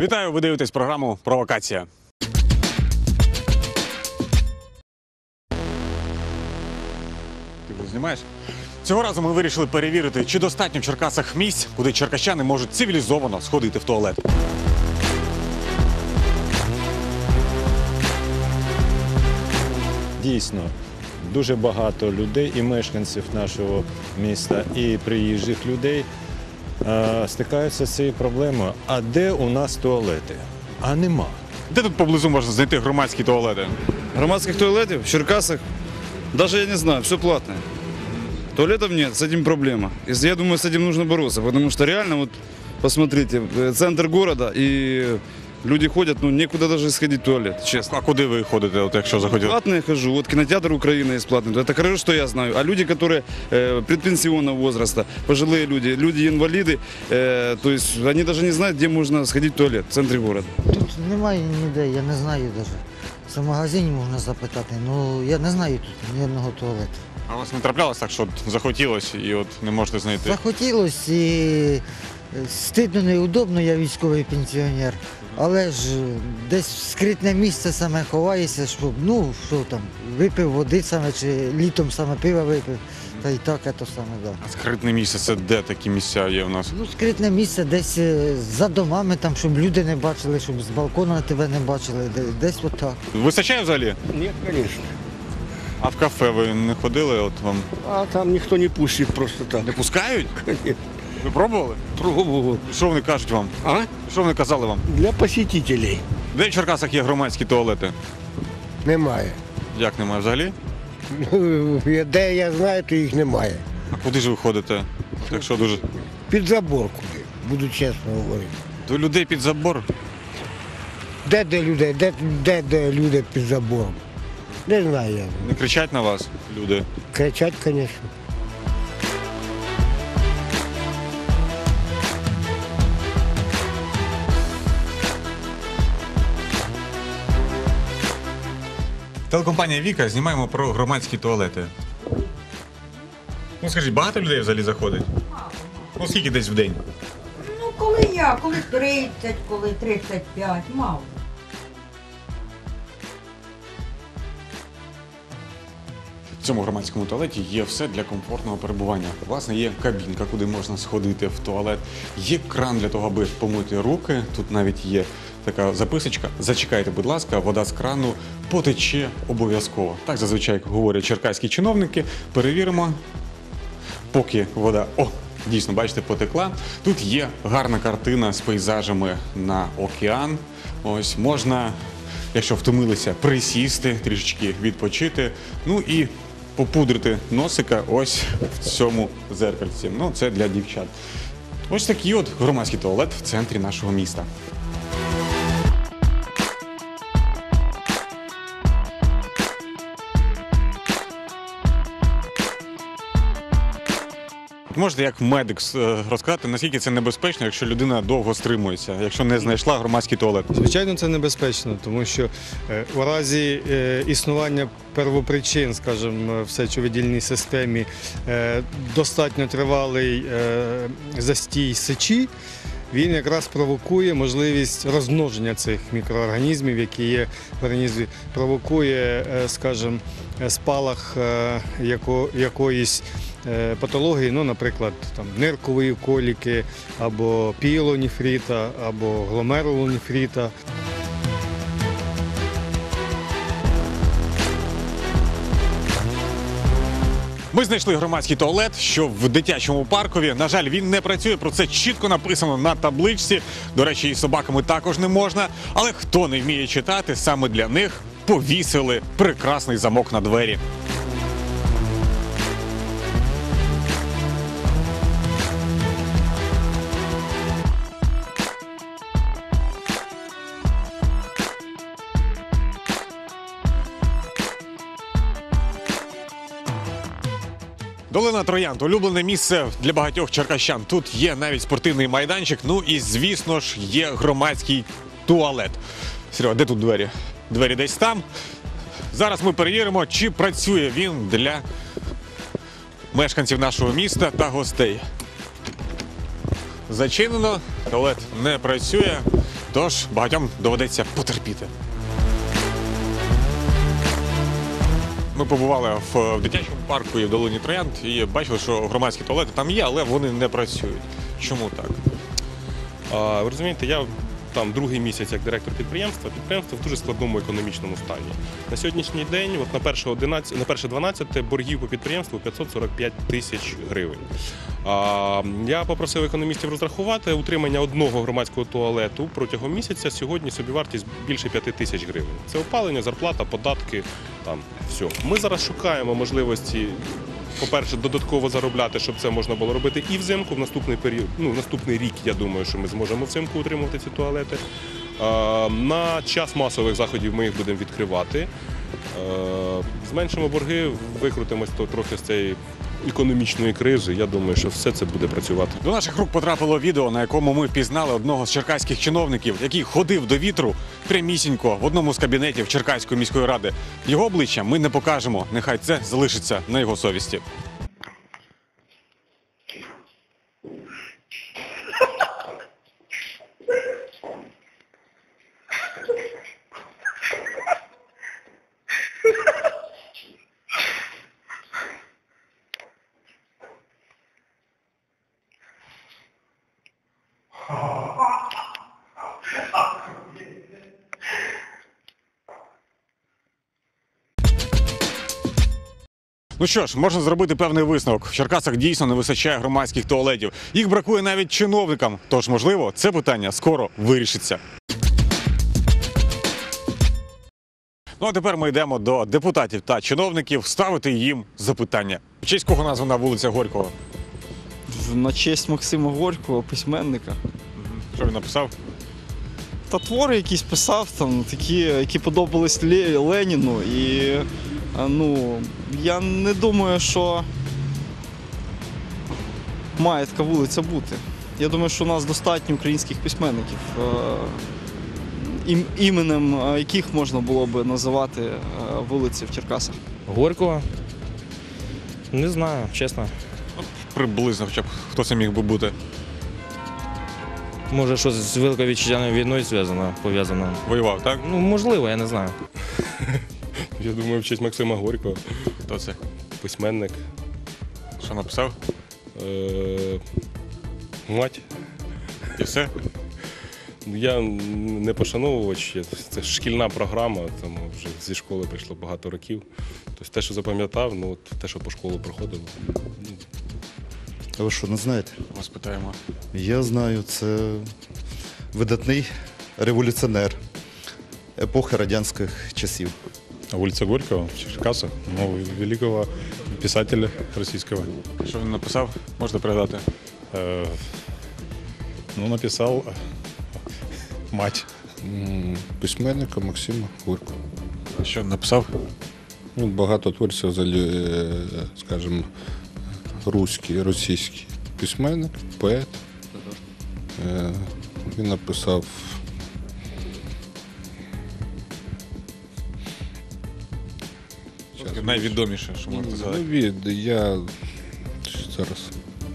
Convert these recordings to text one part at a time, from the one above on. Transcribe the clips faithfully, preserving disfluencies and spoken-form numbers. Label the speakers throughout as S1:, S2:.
S1: Вітаю, ви дивитесь програму «Провокація». Ти вже знімаєш? Цього разу ми вирішили перевірити, чи достатньо в Черкасах місць, куди черкащани можуть цивілізовано сходити в туалет.
S2: Дійсно, дуже багато людей і мешканців нашого міста, і приїжджих людей е, стикаються з цією проблемою. А де у нас туалети? А нема.
S1: Де тут поблизу можна знайти громадські туалети?
S3: Громадских туалетов в Черкасах, даже я не знаю, все платное. Туалетов нет, с этим проблема. Если, я думаю, с этим нужно бороться, потому что реально, вот, посмотрите, центр города, и люди ходят, ну, некуда даже сходить в туалет, честно.
S1: А куди ви ходите, от, якщо захотіли?
S3: Платно я хожу, вот кинотеатр Украина есть платный, это хорошо, что я знаю. А люди, которые э, предпенсионного возраста, пожилые люди, люди-инвалиды, э, то есть они даже не знают, где можно сходить в туалет в центре города.
S4: Тут немає ніде, я не знаю навіть. Це в магазині можна запитати, ну я не знаю тут ні одного туалету.
S1: А у вас не траплялось так, що от захотілося і от не можете знайти?
S4: Захотілося і стидно, неудобно, я військовий пенсіонер, але ж десь в скритне місце саме ховаєшся, щоб, ну, що там, випив води саме, чи літом саме пиво випив, та й так, це саме, так. Да.
S1: А скритне місце – це де такі місця є у нас?
S4: Ну, скритне місце десь за домами, там, щоб люди не бачили, щоб з балкона тебе не бачили, десь отак.
S1: Вистачає взагалі?
S5: Нет, конечно.
S1: А в кафе ви не ходили? От вам
S5: А там никто не пустит просто так.
S1: не пускають?
S5: Конечно.
S1: Ви пробували?
S5: Пробовал.
S1: Що вони кажуть вам?
S5: А?
S1: Що вони казали вам?
S5: Для посетителей.
S1: Де в Черкасах є громадські туалети?
S5: Немає.
S1: Як немає взагалі?
S5: Ну, де я знаю, то їх немає.
S1: А куди ж ви ходите? Якщо дуже...
S5: Під забор куди, буду чесно говорити.
S1: До людей під забор?
S5: Де де людей, де, де, де люди під забором? Не знаю я.
S1: Не кричать на вас люди?
S5: Кричать, звісно.
S1: Телекомпанія «Віка» знімаємо про громадські туалети. Ну скажіть, багато людей взагалі заходить? Ну скільки десь в день?
S6: Ну, коли я, коли тридцять, коли тридцять п'ять, мало.
S1: В цьому громадському туалеті є все для комфортного перебування. Власне, є кабінка, куди можна сходити в туалет, є кран для того, аби помити руки. Тут навіть є така записочка. Зачекайте, будь ласка, вода з крану потече обов'язково. Так зазвичай говорять черкаські чиновники. Перевіримо, поки вода, о, дійсно, бачите, потекла. Тут є гарна картина з пейзажами на океан. Ось, можна, якщо втомилися, присісти, трішечки відпочити. Ну і попудрити носика ось в цьому зеркальці. Ну, це для дівчат. Ось такий от громадський туалет в центрі нашого міста. Можете як медик розказати, наскільки це небезпечно, якщо людина довго стримується, якщо не знайшла громадський туалет?
S7: Звичайно, це небезпечно, тому що е, у разі е, існування первопричин, скажімо, в сечовидільній системі, е, достатньо тривалий е, застій сечі, він якраз провокує можливість розмноження цих мікроорганізмів, які є в організмі, провокує, е, скажімо, спалах е, яко, якоїсь патології, ну, наприклад, там, ниркової коліки, або піелонефрита, або гломерулонефрита.
S1: Ми знайшли громадський туалет, що в дитячому паркові. На жаль, він не працює, про це чітко написано на табличці. До речі, і собаками також не можна. Але хто не вміє читати, саме для них повісили прекрасний замок на двері. Долина Троянд – улюблене місце для багатьох черкащан. Тут є навіть спортивний майданчик, ну і, звісно ж, є громадський туалет. Серега, де тут двері? Двері десь там. Зараз ми перевіримо, чи працює він для мешканців нашого міста та гостей. Зачинено, туалет не працює. Тож багатьом доведеться потерпіти. Ми побували в дитячому парку і в долині Троянд і бачили, що громадські туалети там є, але вони не працюють. Чому так?
S8: А, ви розумієте, я там другий місяць як директор підприємства, підприємство в дуже складному економічному стані. На сьогоднішній день, от на перше одинадцяте, на перше дванадцяте боргів по підприємству п'ятсот сорок п'ять тисяч гривень. А, я попросив економістів розрахувати утримання одного громадського туалету протягом місяця. Сьогодні собівартість більше п'яти тисяч гривень. Це опалення, зарплата, податки, там все. Ми зараз шукаємо можливості. По-перше, додатково заробляти, щоб це можна було робити і взимку, в наступний період, ну, в наступний рік, я думаю, що ми зможемо взимку утримувати ці туалети. Е, на час масових заходів ми їх будемо відкривати. Е, зменшимо борги, викрутимось то трохи з цієї економічної кризи. Я думаю, що все це буде працювати.
S1: До наших рук потрапило відео, на якому ми впізнали одного з черкаських чиновників, який ходив до вітру прямісінько в одному з кабінетів Черкаської міської ради. Його обличчя ми не покажемо, нехай це залишиться на його совісті. Ну що ж, можна зробити певний висновок. В Черкасах дійсно не вистачає громадських туалетів. Їх бракує навіть чиновникам. Тож, можливо, це питання скоро вирішиться. Ну а тепер ми йдемо до депутатів та чиновників ставити їм запитання. В честь кого названа вулиця Горького?
S9: На честь Максима Горького, письменника.
S1: Що він написав?
S9: Та твори якісь писав, там, такі, які подобались Ле- Леніну. І а, ну, я не думаю, що має така вулиця бути. Я думаю, що у нас достатньо українських письменників, е, ім- іменем е, яких можна було би називати е, вулиці в Черкасах.
S10: Горького? Не знаю, чесно.
S1: Приблизно, хоча б хто це міг би бути.
S10: Може, щось з Великою Вітчизняною війною зв'язано, пов'язано.
S1: Воював, так?
S10: Ну, можливо, я не знаю.
S8: Я думаю, в честь Максима Горького,
S1: Хто це?
S8: письменник,
S1: Що написав?
S8: е- мать.
S1: І все?
S8: Я не пошановувач, це шкільна програма, тому вже зі школи прийшло багато років. Тобто те, що запам'ятав, ну от те, що по школу проходило.
S11: А ви що, не знаєте?
S1: Вас питаємо.
S11: Я знаю, це видатний революціонер епохи радянських часів.
S2: Вулиця Горького в Черкасах, ну, великого писателя російського.
S1: Що він написав? Можете передати?
S2: Е, ну, написав мать.
S12: Письменника Максима Горького.
S1: Що він написав?
S12: Ну, багато творців, взагалі, скажімо, руський, російський письменник, поет. Е, Він написав
S1: Найвідоміше, що можете
S12: ну,
S1: згадати.
S12: від, я зараз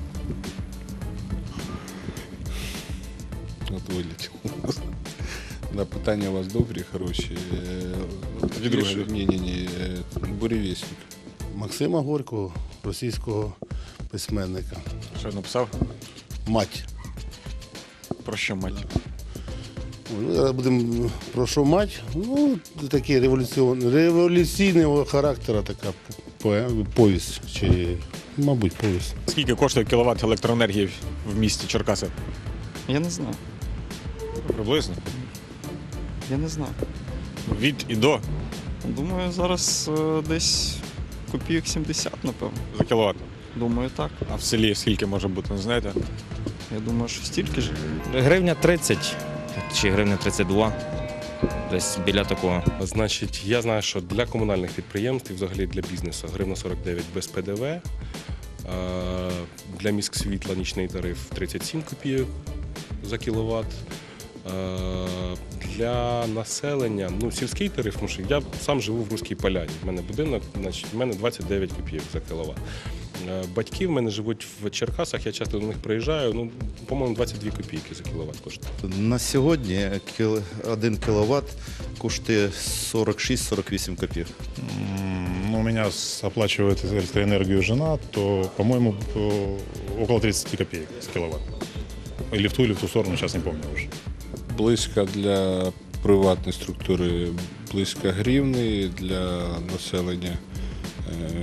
S12: от вилетів. Да, питання у вас добрі, хороші.
S1: Тоді друге.
S12: Ні, ні, ні. Буревісник.
S13: Максима Горького, російського письменника.
S1: Що він написав?
S13: Мать.
S1: Про що мать?
S13: Ну, зараз будемо про що мать. Ну, такий революціон... революційного характеру така по- повість, чи, мабуть, повість.
S1: Скільки коштує кіловат електроенергії в місті Черкаси?
S9: Я не знаю.
S1: Приблизно.
S9: Я не знаю.
S1: Від і до
S9: Думаю, зараз е, десь копійок сімдесят, напевно.
S1: за кіловат.
S9: Думаю, так.
S1: А в селі скільки може бути, не знаєте?
S9: Я думаю, що стільки ж.
S10: Гривня тридцять чи гривня тридцять два. Десь біля такого.
S8: Значить, я знаю, що для комунальних підприємств і взагалі для бізнесу гривня сорок дев'ять без П Д В. Е, Для міськсвітла нічний тариф тридцять сім копійок за кіловат. Е, Для населення, ну, сільський тариф, тому що я сам живу в Руській Поляні. У мене будинок, значить, в мене двадцять дев'ять копійок за кіловат. Е, Батьки в мене живуть в Черкасах, я часто до них приїжджаю. Ну, по-моєму, двадцять дві копійки за кіловат коштує.
S11: На сьогодні кіл- один кіловат коштує сорок шість - сорок вісім копійок.
S14: Ну, у меня с- оплачивает электроэнергию жена, то, по-моему, э, около тридцать копеек с киловатт. Или в ту, или в ту сторону, сейчас не помню уже.
S12: Близько для приватної структури, близько гривни, для населення е,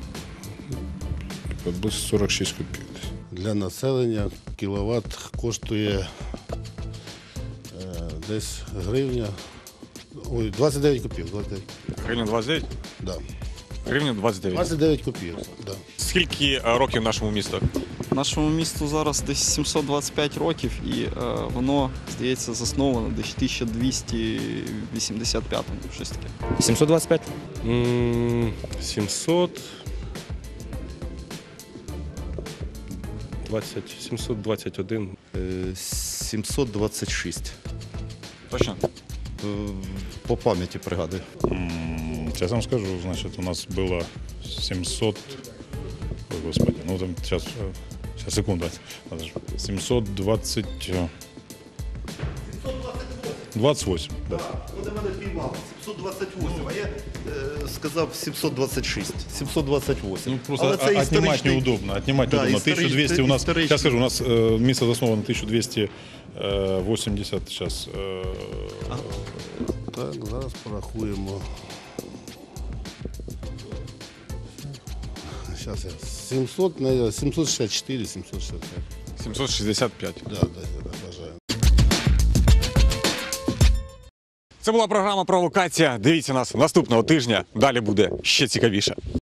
S12: близько сорок шість копійок.
S13: Для населення кіловат коштує е, десь гривня. Ой, двадцять дев'ять копійок. двадцять дев'ять.
S1: Гривня двадцять дев'ять?
S13: Да.
S1: Гривня двадцять дев'ять.
S13: двадцять дев'ять копійок. Да.
S1: Скільки е, років нашому місту?
S9: Нашому місту зараз десь сімсот двадцять п'ять років, і е, воно, здається, засновано десь в тисяча двісті вісімдесят п'ятому, щось таке.
S10: сімсот двадцять п'ять?
S8: М, сімсот двадцять, сімсот двадцять один.
S11: Е, сімсот двадцять шість.
S1: Точно?
S11: Е, По пам'яті пригадую.
S14: М, Сейчас вам скажу, значит, у нас было семьсот... Ой, господи, ну там сейчас, э, сейчас секунду. Надо же. семьсот двадцать... э, двадцать восемь, да.
S11: Вони мене піймали. сімсот двадцять вісім, а я е, сказав сімсот двадцять шість. сімсот двадцять вісім.
S14: Ну, просто
S11: Але це
S14: о- отнимать
S11: історичний-
S14: неудобно. Отнимать
S11: Да,
S14: неудобно.
S11: історичний-
S14: тисяча двісті у нас,
S11: історичний.
S14: сейчас скажу, у нас э, место засновано тысяча двести восемьдесят сейчас. Э,
S13: Так, зараз порахуємо. Зараз я. сімсот, наверное, сімсот шістдесят чотири - сімсот шістдесят п'ять.
S1: сімсот шістдесят п'ять.
S13: Да, да, да, бажаю.
S1: Це була програма «Провокація». Дивіться нас наступного тижня. Далі буде ще цікавіше.